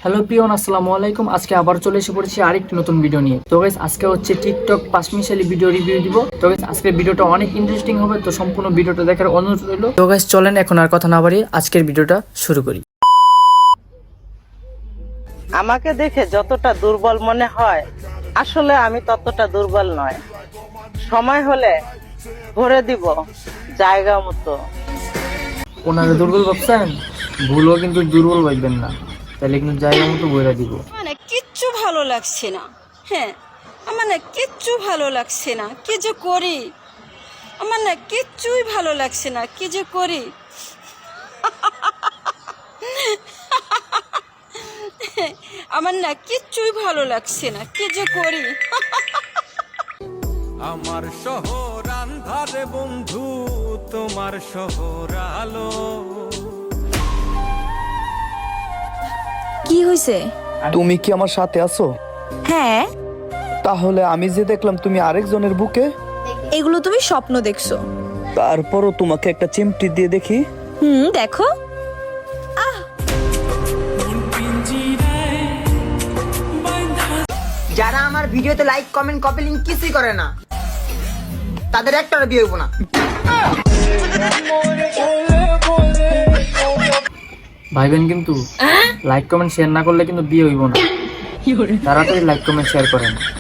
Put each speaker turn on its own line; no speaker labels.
Hello peon, আসসালামু আলাইকুম। আজকে আবার চলে এসে পড়েছি আরেকটি নতুন ভিডিও নিয়ে। তো গাইস, আজকে হচ্ছে টিকটক 5 মিনিটালি ভিডিও রিভিউ দিব। তো গাইস, আজকের ভিডিওটা অনেক ইন্টারেস্টিং হবে, তো সম্পূর্ণ ভিডিওটা দেখার অনুরোধ রইল। তো গাইস, চলেন এখন আর কথা না বাড়িয়ে আজকের ভিডিওটা শুরু করি।
আমাকে দেখে যতটা দুর্বল মনে হয়, আসলে আমি ততটা দুর্বল নয়। সময় হলে ভরে দিব জায়গা মতো।
ওনারা দুর্বল ভাবছেন, ভুলও কিন্তু দুর্বল ভাববেন না, তাহলে কিন্তু জায়গা মতো বইরা দিব।
মানে কিচ্ছু ভালো লাগছে না। হ্যাঁ, আমার না কিচ্ছু ভালো লাগছে না, কি যে করি। আমার না কিচ্ছুই ভালো লাগছে না, কি যে করি। আমার না কিচ্ছুই ভালো লাগছে না, কি যে করি।
আমার শহর আন্ধারে বন্ধু, তোমার শহর আলো।
কি হয়েছে?
তুমি কি আমার সাথে আছো?
হ্যাঁ,
তাহলে আমি যে দেখলাম তুমি আরেকজনের বুকে,
এগুলো তুমি স্বপ্ন দেখছো।
তারপরও তোমাকে একটা চিমটি দিয়ে দেখি।
দেখো।
যারা আমার ভিডিওতে লাইক কমেন্ট কপি লিংক কিছুই করে না, তাদের একটা বিয়ে হইব না।
ভাইবেন কিন্তু লাইক কমেন্ট শেয়ার না করলে কিন্তু বিয়ে হইব না। তাড়াতাড়ি লাইক কমেন্ট শেয়ার করেন।